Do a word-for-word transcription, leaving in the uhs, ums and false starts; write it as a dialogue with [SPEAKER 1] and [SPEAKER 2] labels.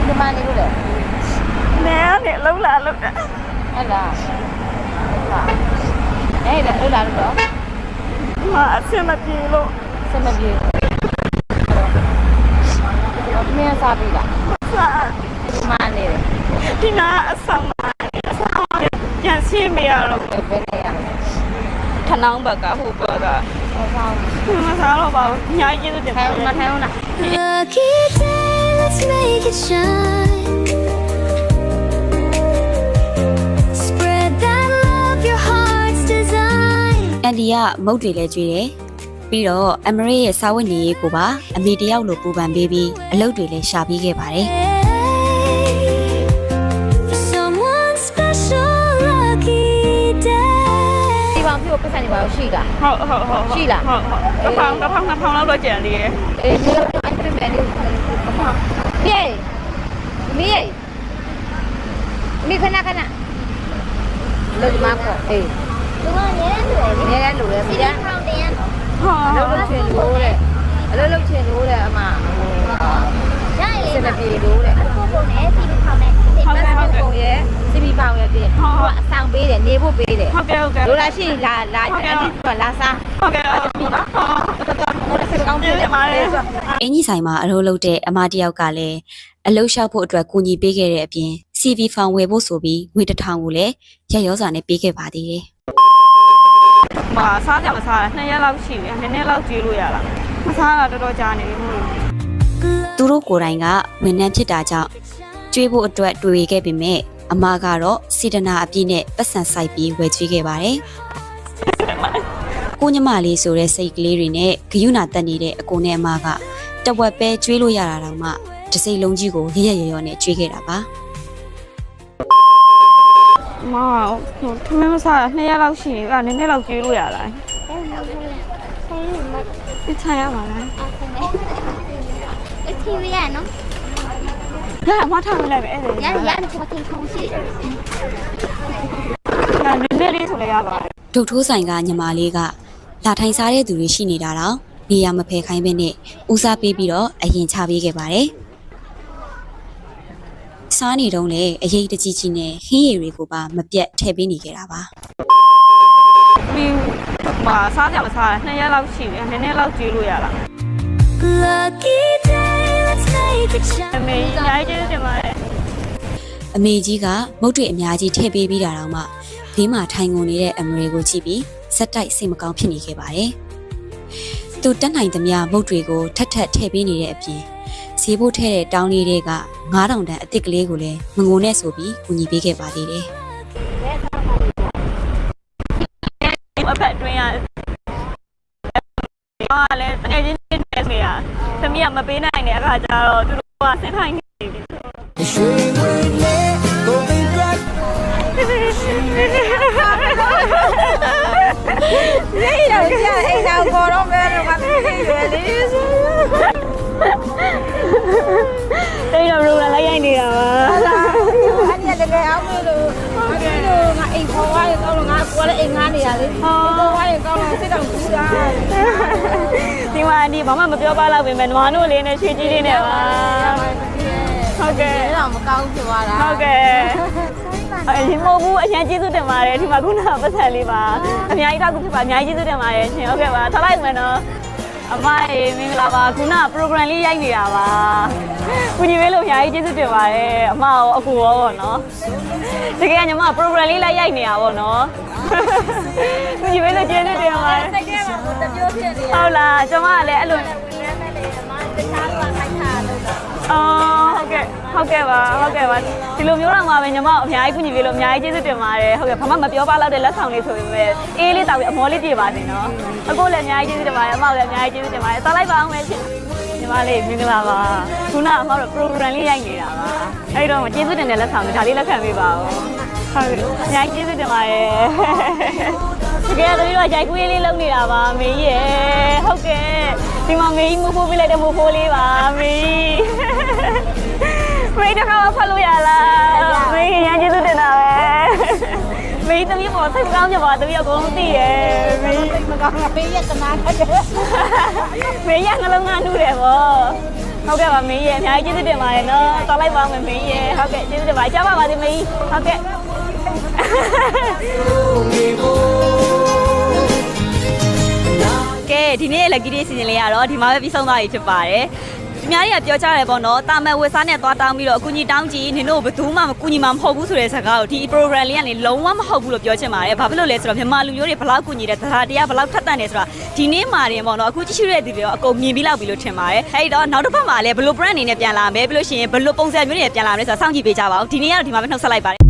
[SPEAKER 1] ဒီမှာနေလို့လေနဲနဲ့လှုပ်လာလှုပ်တာအဲ့ဒါအဲ့ဒါလှုပ်လာလို့တော့ဟာအဆင်မပြေလို့အဆင်မပြေမင်းစားပြီလားစားဒီမှာနေတယ်ဒီနာအဆောင်မှာအဆောင်ပြန်ရှင်းမရတော့ဘယ်နဲ့ရထနောင်းဘက်ကဟိုဘက်ကဟောဆောင်မစားတော့ပါဘူးညာကြီးတို့တင်ထိုင်အောင်ထိုင်အောင်လား Lucky day let's make it shine Spread that love your heart's design အန်ဒီကမုတ်တွေလဲကျွေးတယ်ပြီးတော့အမရေးရဲ့စာဝတ်နေရေးကိုပါအမေတယောက်လိုပူပန်ပေးပြီးအလုပ်တွေလည်းရှာပေးခဲ့ပါတယ်ဒီဘောင်ပြိုပတ်စံနေပါလို့ရှိလားဟုတ်ဟုတ်ဟုတ်ရှိလားဟုတ်ဟုတ်တစ်ဖောင်တစ်ဖောင်နှစ်ဖောင်လောက်တော့ကျန်သေးတယ်အေးဒီလိုအဲ့ဒီမယ်လေးပြေးမီးမီးခဏခဏလို့ဒီမှာခေါ်အေးဒီကနေရတယ်နေရလို့လေမီးရထောင်တင်ရဟာလုံးလုံးချင်လို့တဲ့အလုံးလုံးချင်လို့တဲ့အမရရလေစနေပြေလို့တဲ့အခုပုံနဲ့စီပီဖောင်နဲ့စီပီဖောင်ရဲ့စီပီဖောင်ရဲ့တည်းဟိုကအဆောင်ပေးတယ်နေဖို့ပေးတယ်ဟုတ်ကဲ့ဟုတ်ကဲ့လိုလားရှိလာလာလာစားဟုတ်ကဲ့ဟုတ်ပြီနော်အင်းကြီးဆိုင်မှာအလုပ်လုပ်တဲ့အမတယောက်ကလည်းအလုပ်လျှောက်ဖို့အတွက်ကူညီပေးခဲ့တဲ့အပြင် စီ ဗီ ဖောင်ဝယ်ဖို့ဆိုပြီးငွေတစ်ထောင်ကိုလည်းရက်ရောစာနဲ့ပေးခဲ့ပါသေးတယ်။မစားကြမစားနှစ်ရက်လောက်ရှိပြီ။နည်းနည်းလောက်ကျွေးလို့ရလား။မစားတာတော်တော်ကြာနေပြီ။သူတို့ကိုယ်တိုင်ကဝန်ထမ်းဖြစ်တာကြောင့်ကျွေးဖို့အတွက်တွေ့ခဲ့ပေမဲ့အမကတော့စေတနာအပြည့်နဲ့ပတ်စံစိုက်ပြီးဝယ်ကျွေးခဲ့ပါတယ်။ကိုညမလေးဆိုတဲ့စိတ်ကလေးတွေနဲ့ဂယုဏတက်နေတဲ့အကိုနဲ့အမကတဝက်ပဲကျွေးလို့ရတာတောင်မှတစိမ့်လုံးကြီးကိုရရရရနဲ့ကျွေးခဲ့တာပါ။မောင်ဟိုထမင်းမစားနှစ်ရက်လောက်ရှိရင်ကနည်းနည်းလောက်ကျွေးလို့ရလား။အဲ့လိုဟုတ်လား။ဆိုင်ရမှာ။ဒီဆိုင်ရမှာလား။အဲ့ဒီရနော်။ရမထားမလိုက်ပဲအဲ့ဒါ။ရရရကိုတင်ခုံးရှိ။ဒါနည်းနည်းလေးဆိုလည်းရပါတယ်။ဒုတ်ထိုးဆိုင်ကညီမလေးကလာထိုင်စားတဲ့သူတွေရှိနေတာတော့နေရာမဖယ်ခိုင်းပဲနဲ့ဦးစားပေးပြီးတော့အရင်ချပေးခဲ့ပါတယ်။စားနေတုန်းလေအရေးတကြီးကြီးနဲ့ဟင်းရည်တွေကိုပါမပြတ်ထည့်ပေးနေခဲ့တာပါ။ပြီးပါစားကြမစားနှစ်ရက်လောက်ရှိတယ်နည်းနည်းလောက်ကျွေးလို့ရလား။ Lucky day let's make it shine အမေကြီးကျေးဇူးတင်ပါတယ်။အမေကြီးကမုတ်တွေအများကြီးထည့်ပေးပြီးတာတော့မှဘေးမှာထိုင်ငုံနေတဲ့အမရေကိုကြည့်ပြီးစက်တိုက်စိတ်မကောင်းဖြစ်နေခဲ့ပါတယ်။သူတက်နိုင်သမျှမုတ်တွေကိုထက်ထက်ထည့်ပေးနေတဲ့အပြင်ဈေးဖို့ထည့်တဲ့တောင်းလေးတွေကငါးထောင်တန်အစ်စ်ကလေးကိုလည်းမငုံနဲ့ဆိုပြီးကူညီပေးခဲ့ပါသေးတယ်။အဖက်တွင်းရဟာလည်းတကယ်ချင်းနေနေရသမီးကမပေးနိုင်တဲ့အခါကျတော့သူတို့ကဆင်းထိုင်နေတယ်။နေရကြအိမ်တော်ကိုတော့မဲတော့မသိရလေ။တိတ်တော့ရုံလာလိုက်ရိုက်နေတာပါ။အဲ့ဒီတကယ်အောင်မလို့ဟုတ်ကဲ့ငါအိမ်ခေါ်သွားရင်ကောင်းလို့ငါကိုလည်းအိမ်ငားနေရလေ။ခေါ်သွားရင်ကောင်းလို့စစ်တောင်ထူတာ။ဒီမှာဒီဘာမှမပြောပါတော့ပြင်မယ်နွားတို့လေးနဲ့ချွေကြီးလေးနဲ့ပါ။ဟုတ်ကဲ့အဲ့တော့မကောင်းဖြစ်သွားတာ။ဟုတ်ကဲ့အရင်မဟုတ်ဘူးအရင်ကျေးဇူးတင်ပါတယ်ဒီမှာခုနကပတ်သက်လေးပါအများကြီးထောက်ကူဖြစ်ပါအများကြီးကျေးဇူးတင်ပါတယ်ရှင်ဟုတ်ကဲ့ပါထားလိုက်မယ်နော်အမရေမင်္ဂလာပါခုနက program လေးရိုက်နေတာပါကုညီမေးလို့အများကြီးကျေးဇူးတင်ပါတယ်အမရောအကူရောပေါ့နော်တကယ်ညီမ program လေးလိုက်ရိုက်နေတာပေါ့နော်ကုညီမေးလို့ကျေးဇူးတင်ပါတယ်တကယ်ပါတပြိုးဖြစ်နေရဟုတ်လားကျွန်မကလည်းအဲ့လိုအော်ဟုတ်ကဲ့ဟုတ်ကဲ့ပါဟုတ်ကဲ့ပါဒီလိုမျိုးတော့မှာပဲညီမအများကြီးခုညီပြေလို့အများကြီးကျေးဇူးတင်ပါတယ်ဟုတ်ကဲ့ဘာမှမပြောပါတော့တဲ့လက်ဆောင်လေးဆိုပေမဲ့အေးလေးတောက်ပြီးအမောလေးပြေပါစေနော်အခုလည်းအများကြီးကျေးဇူးတင်ပါတယ်အမောလည်းအများကြီးကျေးဇူးတင်ပါတယ်တောက်လိုက်ပါအောင်မယ်ရှင်ညီမလေးမင်္ဂလာပါခုနကအမောတို့ program လေးရိုက်နေတာပါအဲ့တော့ကျေးဇူးတင်တဲ့လက်ဆောင်လေးဒါလေးလက်ခံပေးပါဦးဟုတ်ကဲ့အများကြီးကျေးဇူးတင်ပါတယ်တကယ်တော့ရိုက်ကူးလေးလုပ်နေတာပါမေကြီးရဲ့ဟုတ်ကဲ့ဒီမှာမေကြီးမဖိုးပေးလိုက်တဲ့မဖိုးလေးပါမေကြီးမေကြီးတခါမှဖတ်လို့ရလားမေကြီးရမ်းကျေးဇူးတင်တာပဲမေကြီးသမီးပေါ်စိတ်ကောင်းကြပါသမီးအကုန်လုံးသိရဲ့မေကြီးမကောင်းတာမေကြီးကတနာတယ်မေကြီးကနှလုံးသားနှူးတယ်ဗောဟ
[SPEAKER 2] ဟုတ်ကဲ့ပါမင်းရေအများကြီးကျေးဇူးတင်ပါတယ်နော်တော်လိုက်ပါမယ်မင်းရေဟုတ်ကဲ့ကျေးဇူးတင်ပါတယ်ကြားပါပါသေးမင်းဟုတ်ကဲ့ကဲဒီနေ့လက်ကြီးလေးစီစဉ်လေးရတော့ဒီမှာပဲပြီးဆုံးသွားပြီဖြစ်ပါတယ်ဒီများတွေကပြောကြတယ်ပေါ့နော်တာမန်ဝက်စားနဲ့သွားတောင်းပြီးတော့အကူကြီးတောင်းကြည့်နင်တို့ဘယ်သူမှမကူညီမှာမဟုတ်ဘူးဆိုတဲ့စကားကိုဒီ program လေးကနေလုံးဝမဟုတ်ဘူးလို့ပြောချင်ပါတယ်ဘာဖြစ်လို့လဲဆိုတော့မြန်မာလူမျိုးတွေဘလောက်ကူညီတယ်တရားတရားဘလောက်ထက်တန်တယ်ဆိုတာဒီနေ့မှာတင်ပေါ့နော်အခုကြည့်ရှုတဲ့သူတွေရောအကုန်မြင်ပြီးလောက်ပြီလို့ထင်ပါတယ်အဲ့တော့နောက်တစ်ပတ်မှာလည်းဘယ်လို brand အနေနဲ့ပြန်လာမယ်ပြီးလို့ရှိရင်ဘယ်လိုပုံစံမျိုးတွေပြန်လာမလဲဆိုတာစောင့်ကြည့်ပေးကြပါဦးဒီနေ့ကတော့ဒီမှာပဲနှုတ်ဆက်လိုက်ပါတယ်